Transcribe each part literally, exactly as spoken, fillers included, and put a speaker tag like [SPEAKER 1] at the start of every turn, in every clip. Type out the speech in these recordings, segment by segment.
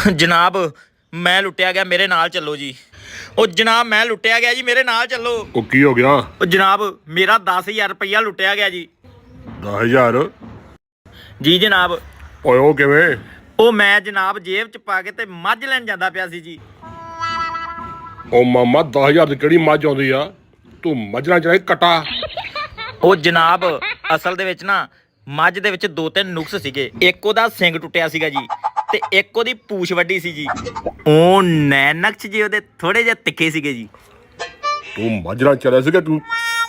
[SPEAKER 1] जनाब मैं लुटिया गया, मेरे नाल चलो जी। ओ जनाब मैं लुटिया गया जी, मेरे नाल चलो।
[SPEAKER 2] ओ की हो गया?
[SPEAKER 1] ओ जनाब मेरा दस हजार रुपया लुटिया गया जी।
[SPEAKER 2] दस हजार
[SPEAKER 1] जी जनाब।
[SPEAKER 2] ओए ओ किवें?
[SPEAKER 1] ओ मैं जनाब जेब च पा के ते मझ लैन जांदा पिया सी जी।
[SPEAKER 2] ओ मामा दस हजार ਦੀ ਕਿਹੜੀ ਮੱਝ ਆਉਂਦੀ ਆ? ਤੂੰ ਮੱਝਾਂ ਚਾਹੇ ਕਟਾ।
[SPEAKER 1] ओ जनाब असल दे विच ना मझ दे विच दो तीन नुक्स सीगे। एक ओदा सिंग टुटिया सीगा जी ते एक ओदी पूछ वड्डी सी जी। ओ नैनक्स जी ओदे थोड़े जे तिखे सीगे जी।
[SPEAKER 2] ਤੂੰ ਮੱਝਾਂ ਚਲਿਆ ਸੀਗਾ ਤੂੰ?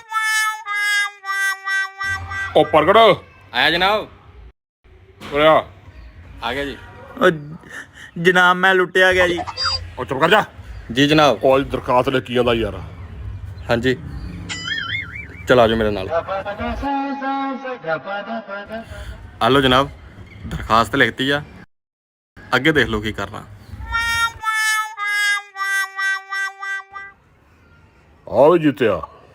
[SPEAKER 2] ओ प्रगट
[SPEAKER 3] आया जनाब।
[SPEAKER 2] ओया
[SPEAKER 3] आ गया जी।
[SPEAKER 1] ओ जनाब मैं लुटिया गया जी।
[SPEAKER 2] ओ चुप कर जा।
[SPEAKER 3] जी जनाब।
[SPEAKER 2] ओ दरखास्त ले की आंदा यार।
[SPEAKER 3] हाँ जी चल आ जाओ मेरे नाल। आ लो जनाब दरखास्त लिखती है, अगे देख लो की करना।
[SPEAKER 2] ਆ ਵੀ ਜਿੱਤਿਆ,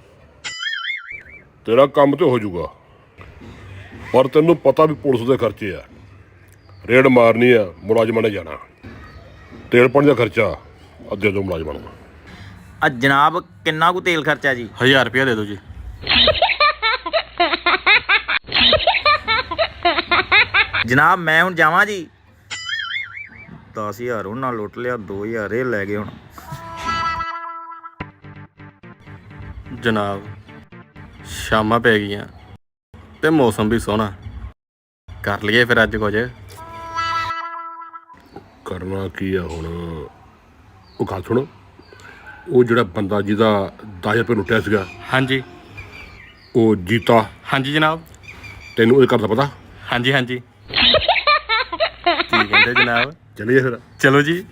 [SPEAKER 2] ਤੇਰਾ ਕੰਮ ਤੇ ਹੋ ਜਾਊਗਾ, ਪਰ ਤੈਨੂੰ ਪਤਾ ਵੀ ਪੁਲਿਸ ਦੇ ਖਰਚੇ ਆ, ਰੇਡ ਮਾਰਨੀ ਆ, ਮੁਲਾਜ਼ਮਾਂ ਨੇ ਜਾਣਾ, ਤੇਲ ਪਾਣੀ ਦਾ ਖਰਚਾ ਅੱਧੇ ਦੋ ਮੁਲਾਜ਼ਮਾਂ ਨੂੰ।
[SPEAKER 1] आ जनाब किन्ना कु तेल खर्चा जी?
[SPEAKER 3] हजार रुपया दे दो जी।
[SPEAKER 1] जनाब मैं हुण जावां जी। दस हजार उन्हां लुट लिया, दो हजार ये लै गए हुण।
[SPEAKER 3] जनाब शामां पै गईयां ते मौसम भी सोहना, कर लईए फिर अज कुछ।
[SPEAKER 2] ਕਰਨਾ ਕੀ ਆ ਹੁਣ? ਉਹ ਗੱਲ ਸੁਣ, ਉਹ ਜਿਹੜਾ ਬੰਦਾ ਜਿਹਦਾ ਦਸ ਹਜ਼ਾਰ ਰੁਪਏ ਲੁੱਟਿਆ ਸੀਗਾ,
[SPEAKER 3] हाँ जी
[SPEAKER 2] ਉਹ ਜੀਤਾ,
[SPEAKER 3] हाँ जी जनाब।
[SPEAKER 2] ਤੈਨੂੰ ਉਹਦੇ ਘਰ ਦਾ ਪਤਾ?
[SPEAKER 3] हाँ जी हाँ जी की कहते जनाब?
[SPEAKER 2] ਚੱਲੀਏ ਫਿਰ।
[SPEAKER 3] चलो जी।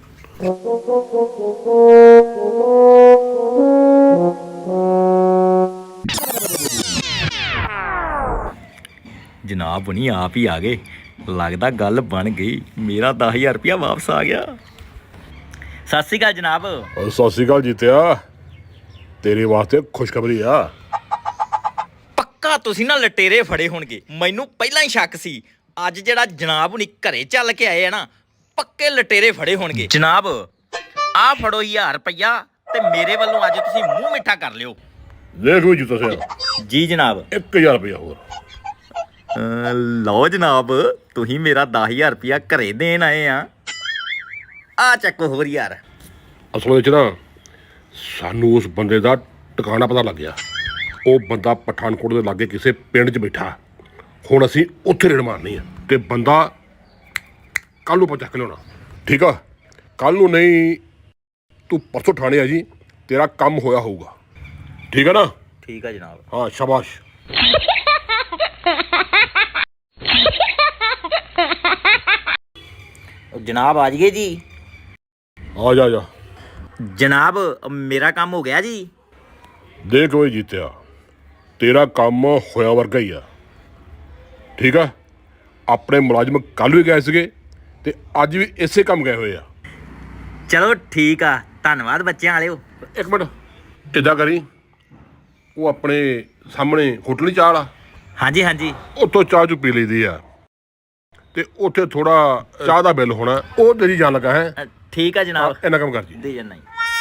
[SPEAKER 1] जनाब बनी आप ही आ गए, लगता गल बन गई, मेरा दस हजार रुपया वापस आ गया। सत श्री अकाल जनाब।
[SPEAKER 2] ਉਹ ਸਤਿ ਸ਼੍ਰੀ ਅਕਾਲ ਜੀਤਿਆ, ਤੇਰੇ ਵਾਸਤੇ ਖੁਸ਼ਖਬਰੀ ਆ।
[SPEAKER 1] ਪੱਕਾ ਤੁਸੀਂ ਨਾ ਲਟੇਰੇ ਫੜੇ ਹੋਣਗੇ, ਮੈਨੂੰ ਪਹਿਲਾਂ ਹੀ ਸ਼ੱਕ ਸੀ। ਅੱਜ ਜਿਹੜਾ ਜਨਾਬ ਹੁਣੀ ਘਰੇ ਚੱਲ ਕੇ ਆਏ ਆ ਨਾ, ਪੱਕੇ ਲਟੇਰੇ ਫੜੇ ਹੋਣਗੇ। ਜਨਾਬ ਆਹ ਫੜੋ ਹਜ਼ਾਰ ਰੁਪਇਆ ਤੇ ਮੇਰੇ ਵੱਲੋਂ ਅੱਜ ਤੁਸੀਂ ਮੂੰਹ ਮਿੱਠਾ ਕਰ ਲਿਓ।
[SPEAKER 2] ਦੇਖ ਵੀ ਜੀਤਾ ਸਿਆ,
[SPEAKER 1] ਜੀ ਜਨਾਬ।
[SPEAKER 2] ਇੱਕ ਹਜ਼ਾਰ ਰੁਪਇਆ ਹੋਰ।
[SPEAKER 1] ਅਹ ਲਓ ਜਨਾਬ, ਤੁਸੀਂ ਮੇਰਾ ਦਸ ਹਜ਼ਾਰ ਰੁਪਇਆ ਘਰੇ ਦੇਣ ਆਏ ਆ, ਆ ਚੱਕੋ ਹੋਰ ਯਾਰ।
[SPEAKER 2] ਅਸਲ ਵਿੱਚ ਨਾ ਸਾਨੂੰ ਉਸ ਬੰਦੇ ਦਾ ਟਿਕਾਣਾ ਪਤਾ ਲੱਗ ਗਿਆ। ਉਹ ਬੰਦਾ ਪਠਾਨਕੋਟ ਦੇ ਲਾਗੇ ਕਿਸੇ ਪਿੰਡ 'ਚ ਬੈਠਾ। ਹੁਣ ਅਸੀਂ ਉੱਥੇ ਰੇਡ ਮਾਰਨੀ ਆ ਤੇ ਬੰਦਾ ਕੱਲ੍ਹ ਨੂੰ ਆਪਾਂ ਚੱਕ ਲਿਆਉਣਾ, ਠੀਕ ਆ? ਕੱਲ੍ਹ ਨੂੰ ਨਹੀਂ, ਤੂੰ ਪਰਸੋਂ ਠਾਣੇ ਆ ਜੀ, ਤੇਰਾ ਕੰਮ ਹੋਇਆ ਹੋਊਗਾ, ਠੀਕ ਆ ਨਾ?
[SPEAKER 1] ਠੀਕ ਆ ਜਨਾਬ।
[SPEAKER 2] ਹਾਂ ਸ਼ਾਬਾਸ਼।
[SPEAKER 1] जनाब आ जाइए जी।
[SPEAKER 2] ਆ ਜਾ ਆ ਜਾ।
[SPEAKER 1] जनाब मेरा काम हो गया जी।
[SPEAKER 2] ਦੇਖ ਓਏ ਜੀਤਿਆ, ਤੇਰਾ ਕੰਮ ਹੋਇਆ ਵਰਗਾ ਹੀ ਆ, ਠੀਕ ਆ? ਆਪਣੇ ਮੁਲਾਜ਼ਮ ਕੱਲ੍ਹ ਵੀ ਗਏ ਸੀਗੇ ਤੇ ਅੱਜ ਵੀ ਇਸੇ ਕੰਮ ਗਏ ਹੋਏ ਆ।
[SPEAKER 1] चलो ठीक आ, धन्नवाद बच्चे वाले।
[SPEAKER 2] ਇੱਕ ਮਿੰਟ ਇੱਦਾਂ ਕਰੀ, ਉਹ ਆਪਣੇ ਸਾਹਮਣੇ ਹੋਟਲ ਨਹੀਂ ਚਾਹ ਵਾਲਾ,
[SPEAKER 1] हाँ जी हाँ जी।
[SPEAKER 2] ਉੱਥੋਂ ਚਾਹ ਚੂ ਪੀ ਲਈਦੀ ਆ ਤੇ ਉੱਥੇ ਥੋੜਾ ਚਾਹ ਦਾ ਬਿੱਲ ਹੋਣਾ, ਉਹ ਤੇਰੀ ਜਾਣ ਲੱਗਾ ਹੈ।
[SPEAKER 1] अ, ठीक है जनाब।
[SPEAKER 2] ਇੰਨਾ ਕੰਮ ਕਰ ਜੀ।
[SPEAKER 1] दे जाना।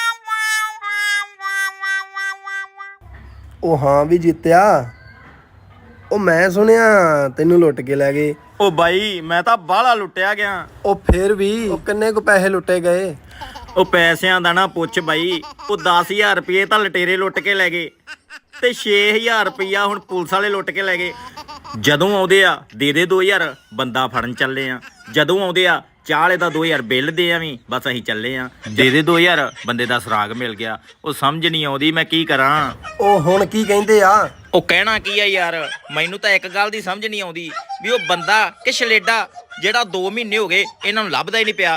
[SPEAKER 4] ਉਹ ਹਾਂ ਵੀ ਜਿੱਤਿਆ, ਉਹ ਮੈਂ ਸੁਣਿਆ ਤੈਨੂੰ ਲੁੱਟ ਕੇ ਲੈ ਗਏ।
[SPEAKER 1] ओ भाई मैं तो बाहला लुटिया गया।
[SPEAKER 4] ਉਹ ਫੇਰ ਵੀ ਉਹ ਕਿੰਨੇ ਕੁ ਪੈਸੇ ਲੁੱਟੇ ਗਏ?
[SPEAKER 1] ਉਹ ਪੈਸਿਆਂ ਦਾ ਨਾ ਪੁੱਛ ਬਾਈ, ਉਹ ਦਸ ਹਜ਼ਾਰ ਰੁਪਏ ਤਾਂ ਲਟੇਰੇ ਲੁੱਟ ਕੇ ਲੈ ਗਏ ਤੇ ਛੇ ਹਜ਼ਾਰ ਰੁਪਇਆ ਹੁਣ ਪੁਲਿਸ ਵਾਲੇ ਲੁੱਟ ਕੇ ਲੈ ਗਏ। ਜਦੋਂ ਆਉਂਦੇ ਆ ਦੇ ਦੇ ਦੋ ਹਜ਼ਾਰ, ਬੰਦਾ ਫੜਨ ਚੱਲੇ ਆ। ਜਦੋਂ ਆਉਂਦੇ ਆ ਚਾਹ ਵਾਲੇ ਦਾ ਦੋ ਹਜ਼ਾਰ ਬਿੱਲ ਦੇ ਆਵੀਂ, ਬਸ ਅਸੀਂ ਚੱਲੇ ਆ। ਦੇ ਦੇ ਦੋ ਹਜ਼ਾਰ, ਬੰਦੇ ਦਾ ਸੁਰਾਗ ਮਿਲ ਗਿਆ। ਉਹ ਸਮਝ ਨਹੀਂ ਆਉਂਦੀ ਮੈਂ ਕੀ ਕਰਾਂ।
[SPEAKER 4] ਉਹ ਹੁਣ ਕੀ ਕਹਿੰਦੇ ਆ?
[SPEAKER 1] ਉਹ ਕਹਿਣਾ ਕੀ ਆ ਯਾਰ, ਮੈਨੂੰ ਤਾਂ ਇੱਕ ਗੱਲ ਦੀ ਸਮਝ ਨਹੀਂ ਆਉਂਦੀ ਵੀ ਉਹ ਬੰਦਾ ਕਿ ਛਲੇਡਾ ਜਿਹੜਾ ਦੋ ਮਹੀਨੇ ਹੋ ਗਏ ਇਹਨਾਂ ਨੂੰ ਲੱਭਦਾ ਹੀ ਨਹੀਂ ਪਿਆ।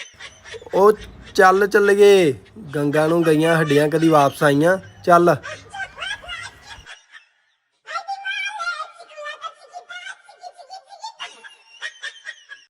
[SPEAKER 4] ਉਹ ਚੱਲ ਚੱਲੀਏ, ਗੰਗਾ ਨੂੰ ਗਈਆਂ ਹੱਡੀਆਂ ਕਦੀ ਵਾਪਸ ਆਈਆਂ। ਚੱਲ।